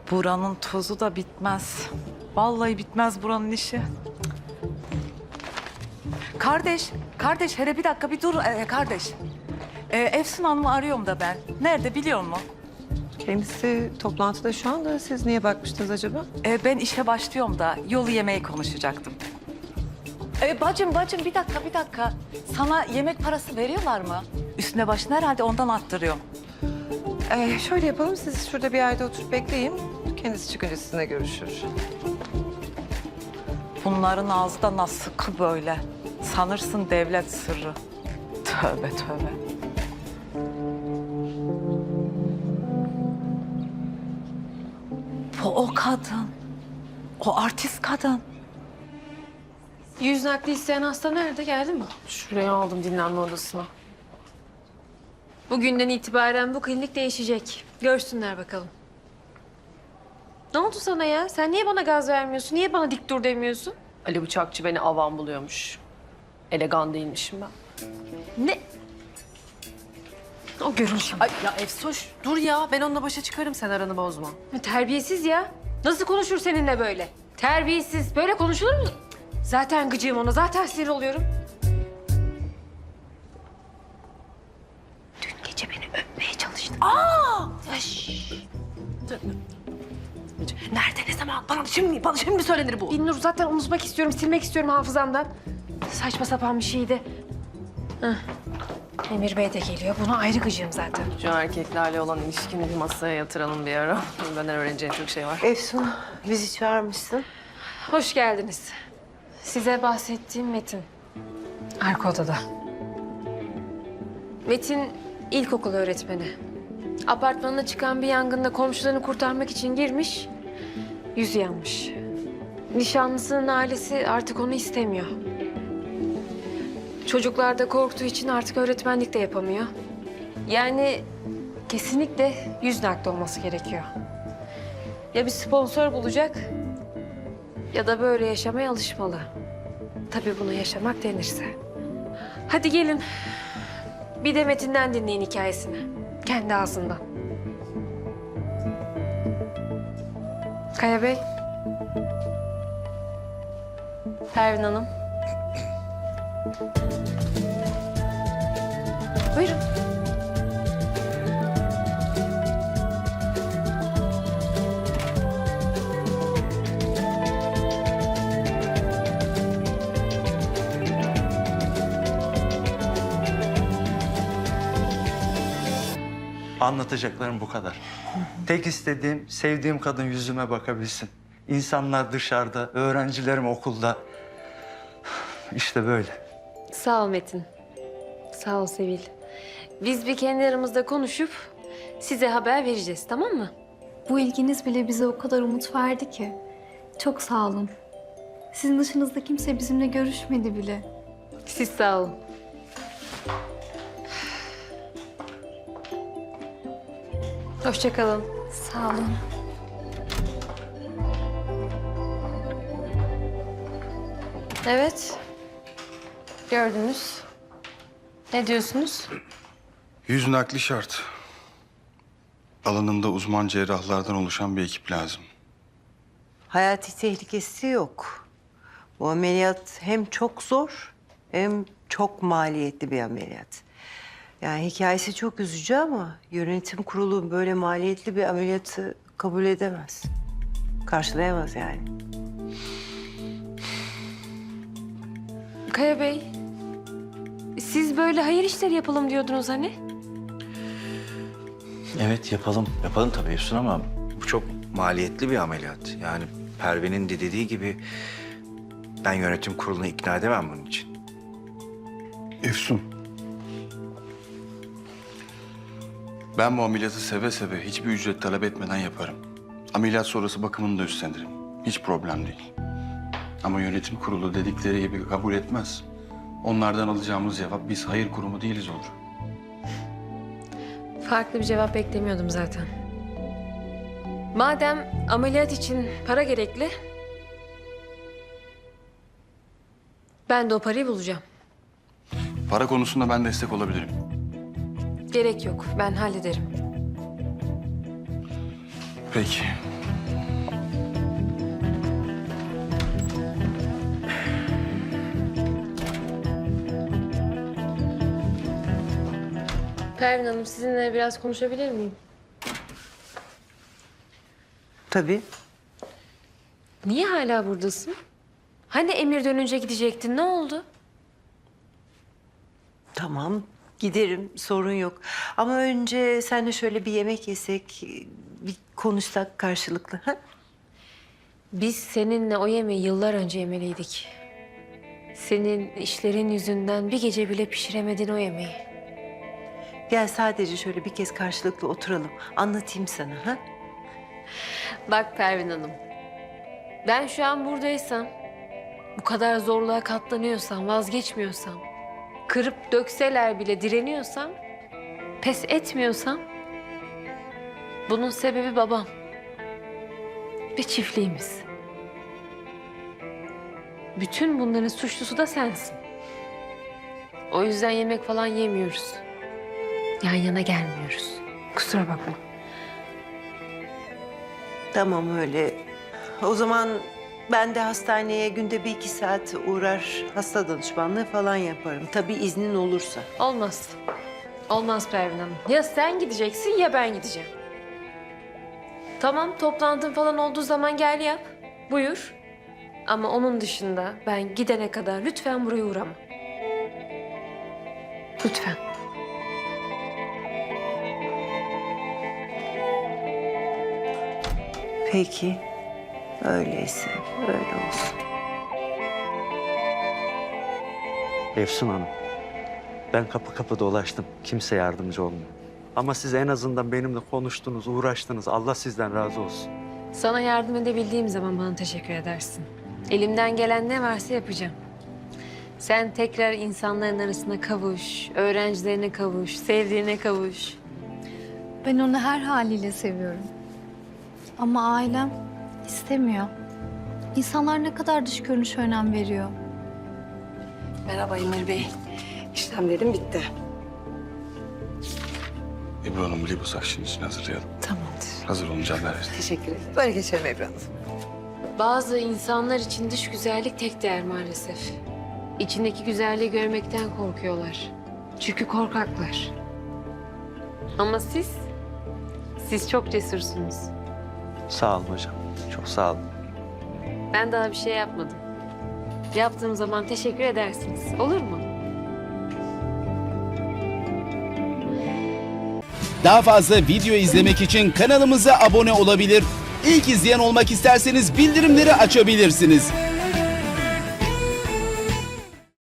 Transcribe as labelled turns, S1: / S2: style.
S1: Buranın tozu da bitmez. Vallahi bitmez buranın işi. Kardeş hele bir dakika bir dur kardeş. Efsun Hanım'ı arıyorum da ben. Nerede biliyor musun?
S2: Kendisi toplantıda şu anda. Siz niye bakmıştınız acaba?
S1: Ben işe başlıyorum da yolu yemeği konuşacaktım. Bacım bir dakika. Sana yemek parası veriyorlar mı? Üstüne başına herhalde ondan attırıyorum.
S2: Şöyle yapalım. Siz şurada bir yerde oturup bekleyin. Kendisi çıkınca sizinle görüşür.
S1: Bunların ağzı da nasıl sıkı böyle. Sanırsın devlet sırrı. Tövbe. Bu o kadın. O artist kadın.
S3: Yüz nakli isteyen hasta nerede? Geldi mi?
S4: Şuraya aldım dinlenme odasına.
S3: Bugünden itibaren bu klinik değişecek. Görsünler bakalım. Ne oldu sana ya? Sen niye bana gaz vermiyorsun? Niye bana dik dur demiyorsun?
S4: Ali Bıçakçı beni avam buluyormuş. Elegan değilmişim ben.
S3: Ne? O görürsün.
S4: Ay ya Efsoş dur ya ben onunla başa çıkarım sen aranı bozma.
S3: Terbiyesiz ya. Nasıl konuşur seninle böyle? Terbiyesiz. Böyle konuşulur mu? Zaten gıcığım ona. Zaten sinir oluyorum. Dün gece beni öpmeye çalıştı.
S4: Nerede ne zaman bana şimdi mi söylenir bu?
S3: Binnur zaten unutmak istiyorum, silmek istiyorum hafızamdan. Saçma sapan bir şeydi. Hah. Emir Bey de geliyor. Buna ayrı gıcığım zaten.
S4: Şu erkeklerle olan ilişkini bir masaya yatıralım bir ara. Benden öğreneceğin çok şey var.
S2: Efsun, bizi çağırmışsın.
S3: Hoş geldiniz. Size bahsettiğim Metin. Arka odada. Metin ilkokul öğretmeni. Apartmanına çıkan bir yangında komşularını kurtarmak için girmiş. Yüzü yanmış. Nişanlısının ailesi artık onu istemiyor. Çocuklar da korktuğu için artık öğretmenlik de yapamıyor. Yani kesinlikle yüz nakli olması gerekiyor. Ya bir sponsor bulacak ya da böyle yaşamaya alışmalı. Tabii bunu yaşamak denirse. Hadi gelin. Bir de Metin'den dinleyin hikayesini. Kendi ağzından. Kaya Bey. Pervin Hanım. Buyurun.
S5: Anlatacaklarım bu kadar. Tek istediğim sevdiğim kadın yüzüme bakabilsin. İnsanlar dışarıda, öğrencilerim okulda. İşte böyle.
S3: Sağ ol Metin. Sağ ol Sevil. Biz bir kendi aramızda konuşup size haber vereceğiz, tamam mı?
S6: Bu ilginiz bile bize o kadar umut verdi ki. Çok sağ olun. Sizin dışınızda kimse bizimle görüşmedi bile.
S3: Siz sağ olun. Hoşça kalın.
S6: Sağ olun.
S3: Evet. Gördünüz. Ne diyorsunuz?
S7: Yüz nakli şart. Alanında uzman cerrahlardan oluşan bir ekip lazım.
S8: Hayati tehlikesi yok. Bu ameliyat hem çok zor hem çok maliyetli bir ameliyat. Yani hikayesi çok üzücü ama yönetim kurulu böyle maliyetli bir ameliyatı kabul edemez. Karşılayamaz yani.
S3: Kaya Bey, siz böyle hayır işleri yapalım diyordunuz hani?
S9: Evet yapalım. Yapalım tabii Efsun ama bu çok maliyetli bir ameliyat. Yani Pervin'in de dediği gibi ben yönetim kurulunu ikna edemem bunun için.
S7: Efsun. Ben bu ameliyatı seve seve hiçbir ücret talep etmeden yaparım. Ameliyat sonrası bakımını da üstlenirim. Hiç problem değil. Ama yönetim kurulu dedikleri gibi kabul etmez. Onlardan alacağımız cevap biz hayır kurumu değiliz olur.
S3: Farklı bir cevap beklemiyordum zaten. Madem ameliyat için para gerekli, ben de o parayı bulacağım.
S7: Para konusunda ben destek olabilirim.
S3: Gerek yok, ben hallederim.
S7: Peki.
S3: Pervin Hanım, sizinle biraz konuşabilir miyim?
S8: Tabii.
S3: Niye hala buradasın? Hani Emir dönünce gidecektin, ne oldu?
S8: Tamam, giderim, sorun yok. Ama önce seninle şöyle bir yemek yesek, bir konuşsak karşılıklı. Ha?
S3: Biz seninle o yemeği yıllar önce yemeliydik. Senin işlerin yüzünden bir gece bile pişiremedin o yemeği.
S8: Gel sadece şöyle bir kez karşılıklı oturalım. Anlatayım sana. Ha?
S3: Bak Pervin Hanım, ben şu an buradaysam, bu kadar zorluğa katlanıyorsam, vazgeçmiyorsam, kırıp dökseler bile direniyorsam, pes etmiyorsam, bunun sebebi babam ve çiftliğimiz. Bütün bunların suçlusu da sensin. O yüzden yemek falan yemiyoruz. Yan yana gelmiyoruz. Kusura bakma.
S8: Tamam öyle. O zaman ben de hastaneye günde 1-2 saat uğrar, hasta danışmanlığı falan yaparım. Tabii iznin olursa.
S3: Olmaz. Olmaz Pervin Hanım. Ya sen gideceksin ya ben gideceğim. Tamam, toplantın falan olduğu zaman gel yap. Buyur. Ama onun dışında ben gidene kadar lütfen buraya uğrama. Lütfen.
S8: Peki. Öyleyse öyle olsun.
S5: Efsun Hanım, ben kapı kapı dolaştım. Kimse yardımcı olmuyor. Ama siz en azından benimle konuştunuz, uğraştınız. Allah sizden razı olsun.
S3: Sana yardım edebildiğim zaman bana teşekkür edersin. Elimden gelen ne varsa yapacağım. Sen tekrar insanların arasına kavuş, öğrencilerine kavuş, sevdiğine kavuş.
S6: Ben onu her haliyle seviyorum. Ama ailem istemiyor. İnsanlar ne kadar dış görünüşe önem veriyor.
S4: Merhaba Emir Bey. İşlemlerim bitti.
S7: Ebru Hanım liposakşın için hazırlayalım.
S4: Tamamdır.
S7: Hazır olunca haber verin.
S4: Teşekkür ederim. Böyle geçelim Ebru Hanım.
S3: Bazı insanlar için dış güzellik tek değer maalesef. İçindeki güzelliği görmekten korkuyorlar. Çünkü korkaklar. Ama siz çok cesursunuz.
S5: Sağ olun hocam. Çok sağ olun.
S3: Ben daha bir şey yapmadım. Yaptığım zaman teşekkür edersiniz. Olur mu?
S10: Daha fazla video izlemek için kanalımıza abone olabilir. İlk izleyen olmak isterseniz bildirimleri açabilirsiniz.